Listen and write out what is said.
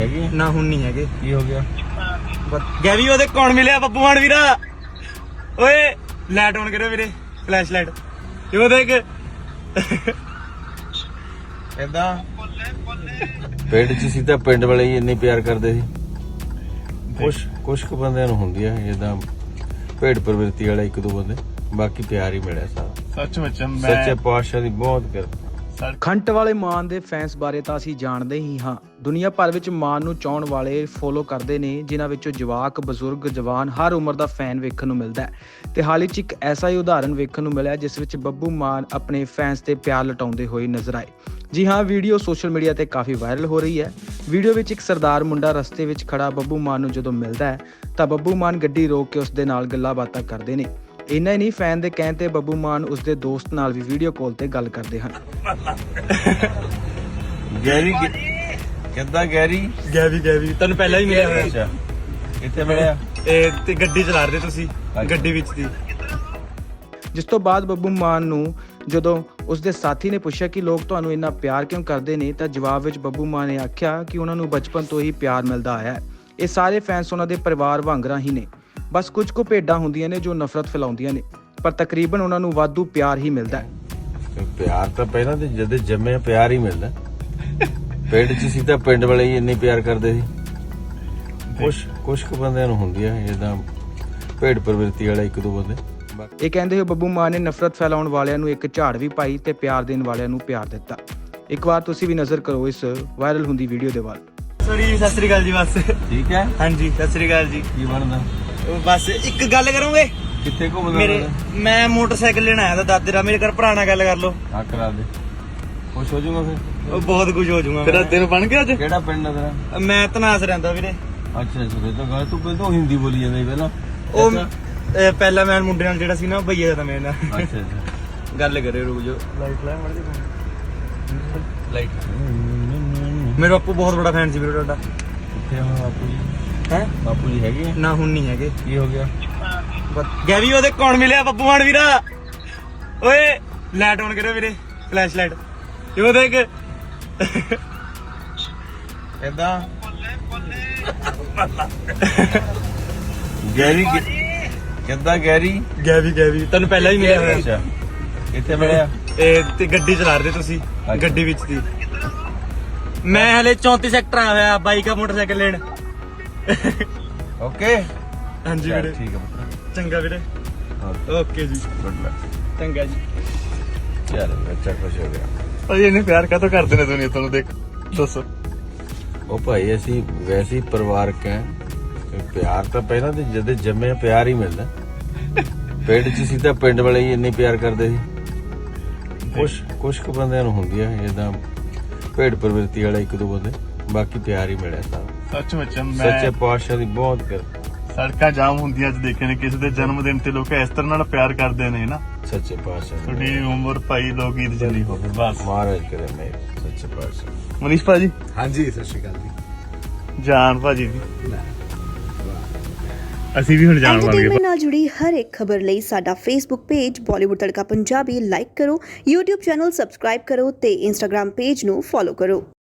ਨਾ ਹੁਣ ਨਹੀਂ ਹੈਗੇ। ਕੀ ਹੋ ਗਿਆ? ਗੈਵੀ ਉਹਦੇ ਕੌਣ ਮਿਲਿਆ ਬੱਬੂ ਮਾਨ ਵੀਰਾ? ਓਏ ਲਾਈਟ ਔਨ ਕਰਿਓ ਵੀਰੇ, ਫਲੈਸ਼ ਲਾਈਟ ਇਹ ਦੇਖ। ਏਦਾਂ ਪਿੰਡ 'ਚ ਸੀ ਤਾਂ ਪਿੰਡ ਵਾਲੇ ਹੀ ਇੰਨੇ ਪਿਆਰ ਕਰਦੇ ਸੀ। ਕੁਛ ਕੁ ਬੰਦਿਆਂ ਨੂੰ ਹੁੰਦੀ ਆ ਜਿੱਦਾਂ ਭੇਡ ਪ੍ਰਵਿਰਤੀ ਵਾਲਾ ਇੱਕ ਦੋ ਬੰਦੇ, ਬਾਕੀ ਪਿਆਰ ਹੀ ਮਿਲਿਆ ਸਾਰਾ। ਸੱਚੇ ਪਾਤਸ਼ਾਹ ਦੀ ਬਹੁਤ ਕਿਰਪਾ। ਖੰਟ ਵਾਲੇ ਮਾਨ ਦੇ ਫੈਨਸ ਬਾਰੇ ਤਾਂ ਅਸੀਂ ਜਾਣਦੇ ਹੀ ਹਾਂ। ਦੁਨੀਆ ਭਰ ਵਿੱਚ ਮਾਨ ਨੂੰ ਚਾਹਣ ਵਾਲੇ ਫੋਲੋ ਕਰਦੇ ਨੇ, ਜਿਨ੍ਹਾਂ ਵਿੱਚੋਂ ਜਵਾਕ, ਬਜ਼ੁਰਗ, ਜਵਾਨ ਹਰ ਉਮਰ ਦਾ ਫੈਨ ਵੇਖਣ ਨੂੰ ਮਿਲਦਾ ਹੈ। ਤੇ ਹਾਲ ਹੀ 'ਚ ਇੱਕ ਐਸਾ ਹੀ ਉਦਾਹਰਨ ਵੇਖਣ ਨੂੰ ਮਿਲਿਆ ਜਿਸ ਵਿੱਚ ਬੱਬੂ ਮਾਨ ਆਪਣੇ ਫੈਨਸ ਤੇ ਪਿਆਰ ਲਟਾਉਂਦੇ ਹੋਏ ਨਜ਼ਰ ਆਏ। ਜੀ ਹਾਂ, ਵੀਡੀਓ ਸੋਸ਼ਲ ਮੀਡੀਆ ਤੇ ਕਾਫੀ ਵਾਇਰਲ ਹੋ ਰਹੀ ਹੈ। ਵੀਡੀਓ ਵਿੱਚ ਇੱਕ ਸਰਦਾਰ ਮੁੰਡਾ ਰਸਤੇ ਵਿੱਚ ਖੜਾ ਬੱਬੂ ਮਾਨ ਨੂੰ ਜਦੋਂ ਮਿਲਦਾ ਹੈ ਤਾਂ ਬੱਬੂ ਮਾਨ ਗੱਡੀ ਰੋਕ ਕੇ ਉਸ ਦੇ ਨਾਲ ਗੱਲਾਂ ਬਾਤਾਂ ਕਰਦੇ ਨੇ। ਇੰਨਾ ਹੀ ਨਹੀਂ, ਫੈਨ ਦੇ ਕਹਿਣ ਤੇ ਬੱਬੂ ਮਾਨ ਉਸਦੇ ਦੋਸਤ ਨਾਲ ਵੀ ਵੀਡੀਓ ਕਾਲ ਤੇ ਗੱਲ ਕਰਦੇ ਹਨ। ਗੈਰੀ ਕਿੱਦਾਂ? ਗੈਵੀ ਤੁਹਾਨੂੰ ਪਹਿਲਾਂ ਹੀ ਮਿਲਿਆ ਹੋਇਆ। ਅੱਛਾ, ਕਿੱਥੇ ਮਿਲਿਆ? ਇਹ ਤੇ ਗੱਡੀ ਚਲਾ ਰਹੇ ਤੁਸੀਂ, ਗੱਡੀ ਵਿੱਚ ਸੀ। ਜਿਸ ਤੋਂ ਬਾਅਦ ਬੱਬੂ ਮਾਨ ਨੂੰ ਜਦੋਂ ਉਸਦੇ ਸਾਥੀ ਨੇ ਪੁੱਛਿਆ ਕਿ ਲੋਕ ਤੁਹਾਨੂੰ ਇੰਨਾ ਪਿਆਰ ਕਿਉਂ ਕਰਦੇ ਨੇ, ਤਾਂ ਜਵਾਬ ਵਿੱਚ ਬੱਬੂ ਮਾਨ ਨੇ ਆਖਿਆ ਕਿ ਉਹਨਾਂ ਨੂੰ ਬਚਪਨ ਤੋਂ ਹੀ ਪਿਆਰ ਮਿਲਦਾ ਆਇਆ ਹੈ। ਇਹ ਸਾਰੇ ਫੈਨਸ ਉਹਨਾਂ ਦੇ ਪਰਿਵਾਰ ਵਾਂਗਰਾਂ ਹੀ ਨੇ। ਬਸ ਕੁਝ ਕੁ ਭੇਡਾਂ ਹੁੰਦੀਆਂ ਨੇ ਜੋ ਨਫ਼ਰਤ ਫੈਲਾਉਂਦੀਆਂ ਨੇ, ਪਰ ਤਕਰੀਬਨ ਉਹਨਾਂ ਨੂੰ ਵਾਧੂ ਪਿਆਰ ਹੀ ਮਿਲਦਾ ਹੈ। ਪਿਆਰ ਤਾਂ ਪਹਿਲਾਂ ਤੇ ਜਦ ਜੰਮਿਆ ਪਿਆਰ ਹੀ ਮਿਲਦਾ। ਪਿੰਡ 'ਚ ਸੀ ਤਾਂ ਪਿੰਡ ਵਾਲੇ ਹੀ ਇੰਨੇ ਪਿਆਰ ਕਰਦੇ ਸੀ। ਕੁਛ ਕੁ ਬੰਦਿਆਂ ਨੂੰ ਹੁੰਦੀ ਆ ਜਿੱਦਾਂ ਭੇਡ ਪ੍ਰਵਿਰਤੀ ਵਾਲਾ ਇੱਕ ਦੋ ਬੰਦੇ। ਇਹ ਕਹਿੰਦੇ ਹੋਏ ਬੱਬੂ ਮਾਨ ਨੇ ਨਫ਼ਰਤ ਫੈਲਾਉਣ ਵਾਲਿਆਂ ਨੂੰ ਇੱਕ ਝਾੜ ਵੀ ਪਾਈ ਤੇ ਪਿਆਰ ਦੇਣ ਵਾਲਿਆਂ ਨੂੰ ਪਿਆਰ ਦਿੱਤਾ। ਇੱਕ ਵਾਰ ਤੁਸੀਂ ਵੀ ਨਜ਼ਰ ਕਰੋ ਇਸ ਵਾਇਰਲ ਹੁੰਦੀ ਵੀਡੀਓ ਦੇ ਵੱਲ। ਸੌਰੀ, ਸਤਿ ਸ੍ਰੀ ਅਕਾਲ ਜੀ। ਬਸ ਠੀਕ ਹੈ। ਹਾਂਜੀ, ਸਤਿ ਸ੍ਰੀ ਅਕਾਲ ਜੀ। ਕੀ ਬਣਦਾ? ਬਸ ਇੱਕ ਗੱਲ ਕਰੋਗੇ? ਕਿੱਥੇ ਘੁੰਮਦਾ? ਮੈਂ ਮੋਟਰਸਾਈਕਲ ਲੈਣ ਆਇਆ ਤਾਂ ਦਾਦੇ ਦਾ, ਮੇਰੇ ਘਰ ਭਰਾ ਨਾਲ ਗੱਲ ਕਰ ਲਓ। ਆ ਕਰਾ ਦੇ, ਖੁਸ਼ ਹੋ ਜਾਊਗਾ ਫਿਰ। ਉਹ ਬਹੁਤ ਕੁਝ ਹੋ ਜਾਊਗਾ। ਤੇਰਾ ਦਿਨ ਬਣ ਗਿਆ ਅੱਜ? ਕਿਹੜਾ ਪਿੰਡ ਆ ਤੇਰਾ? ਮੈਂ ਤਨਾਸ ਰਹਿੰਦਾ ਵੀਰੇ। ਅੱਛਾ ਫਿਰ ਤਾਂ ਗੱਲ ਤੂੰ ਪਹਿਲਾਂ ਹਿੰਦੀ ਬੋਲੀ ਜਾਂਦਾ ਸੀ ਪਹਿਲਾਂ। ਉਹ ਪਹਿਲਾਂ ਮੈਂ ਮੁੰਡੇ ਨਾਲ ਜਿਹੜਾ ਸੀ ਨਾ, ਭਈਆ ਦਾ ਮੇਰੇ ਨਾਲ। ਅੱਛਾ ਗੱਲ ਕਰਿਓ, ਰੁਕ ਜਾਓ। ਲਾਈਟ ਲੈ ਮੜ ਦੇ ਲਾਈਟ। ਮੇਰਾ ਬਾਪੂ ਬਹੁਤ ਬੜਾ ਫੈਨ ਸੀ ਵੀਰੇ ਤੁਹਾਡਾ। ਕਿੱਥੇ ਆ ਬਾਪੂ ਜੀ? ਹੈ ਬਾਪੂ ਜੀ ਹੈਗੇ? ਨਾ ਹੁਣ ਨਹੀਂ ਹੈਗੇ। ਕੀ ਹੋ ਗਿਆ? ਗੈਵੀ ਉਹਦੇ ਕੌਣ ਮਿਲਿਆ ਬੱਬੂ ਮਾਨ ਵੀਰਾ? ਓਏ ਲਾਈਟ ਔਨ ਕਰਿਓ ਵੀਰੇ, ਫਲੈਸ਼ ਲਾਈਟ ਇਹ ਦੇਖ। ਏਦਾਂ ਗੈਰੀ ਕਿੱਦਾਂ? ਗੈਵੀ ਤੁਹਾਨੂੰ ਪਹਿਲਾਂ ਹੀ ਮਿਲਿਆ ਹੋਇਆ। ਅੱਛਾ, ਕਿੱਥੇ ਮਿਲਿਆ? ਇਹ ਤੇ ਗੱਡੀ ਚਲਾ ਰਹੇ ਤੁਸੀਂ, ਗੱਡੀ ਵਿੱਚ ਸੀ। ਮੈਂ ਹਲੇ 34 ਸੈਕਟਰ ਆਇਆ ਹੋਇਆ ਬਾਈਕ ਆ ਮੋਟਰਸਾਈਕਲ ਲੈਣ। ਓਕੇ ਹਾਂਜੀ ਵੀਰੇ, ਠੀਕ ਹੈ। ਚੰਗਾ ਵੀਰੇ, ਓਕੇ ਜੀ, ਗੁੱਡ ਲੱਕ। ਚੰਗਾ ਜੀ। ਚਲ ਬੱਚਾ ਖੁਸ਼ ਹੋ ਗਿਆ। ਭਾਈ ਇਹਨੇ ਪਿਆਰ ਕਾਹਤੋਂ ਕਰਦੇ ਨੇ ਦੁਨੀਆ? ਤੁਹਾਨੂੰ ਦੇਖ ਦੱਸੋ। ਉਹ ਭਾਈ ਅਸੀਂ ਵੈਸੇ ਹੀ ਪਰਿਵਾਰਕ ਹੈ। ਪਿਆਰ ਤਾਂ ਪਹਿਲਾਂ ਤੇ ਜਦ ਜੰਮਿਆ ਪਿਆਰ ਹੀ ਮਿਲਦਾ। ਪਿੰਡ 'ਚ ਸੀ ਤਾਂ ਪਿੰਡ ਵਾਲੇ ਹੀ ਇੰਨੇ ਪਿਆਰ ਕਰਦੇ ਸੀ। ਕੁਛ ਕੁ ਬੰਦਿਆਂ ਨੂੰ ਹੁੰਦੀ ਆ ਜਿੱਦਾਂ ਭੇਡ ਪ੍ਰਵਿਰਤੀ ਵਾਲਾ ਇੱਕ ਦੋ ਬੰਦੇ, ਬਾਕੀ ਪਿਆਰ ਹੀ ਮਿਲਿਆ ਸਾਰਾ। ਸੱਚੇ ਪਾਤਸ਼ਾਹ ਦੀ ਬਹੁਤ ਕਿਰਪਾ। ਸੜਕਾਂ ਜਾਮ ਹੁੰਦੀਆਂ ਅੱਜ ਦੇਖੇ ਨੇ, ਕਿਸੇ ਦੇ ਜਨਮ ਦਿਨ ਤੇ ਲੋਕ ਇਸ ਤਰ੍ਹਾਂ ਨਾਲ ਪਿਆਰ ਕਰਦੇ ਨੇ ਨਾ। ਸੱਚੇ ਪਾਤਸ਼ਾਹ ਤੁਹਾਡੀ ਉਮਰ ਭਾਈ ਲੋਕ ਈਦ ਜਲੀ ਹੋਵੇ ਬਸ। ਮਹਾਰਾਜ ਕਰੇ ਮੇਰ। ਸੱਚੇ ਪਾਤਸ਼ਾਹ। ਮਨੀਸ਼ ਭਾਜੀ। ਹਾਂਜੀ, ਸਤਿ ਸ਼੍ਰੀ ਅਕਾਲ ਜੀ। ਜਾਨ ਭਾਜੀ ਦੀ ਅਸੀਂ ਵੀ ਹੁਣ ਜਾਣ ਬਣ ਗਏ। ਐਂਟਰਟੇਨਮੈਂਟ ਨਾਲ ਜੁੜੀ ਹਰ ਇੱਕ ਖਬਰ ਲਈ ਸਾਡਾ Facebook page Bollywood Tadka Punjabi like ਕਰੋ, YouTube ਚੈਨਲ ਸਬਸਕ੍ਰਾਈਬ ਕਰੋ ਤੇ Instagram ਪੇਜ ਨੂੰ ਫੋਲੋ ਕਰੋ।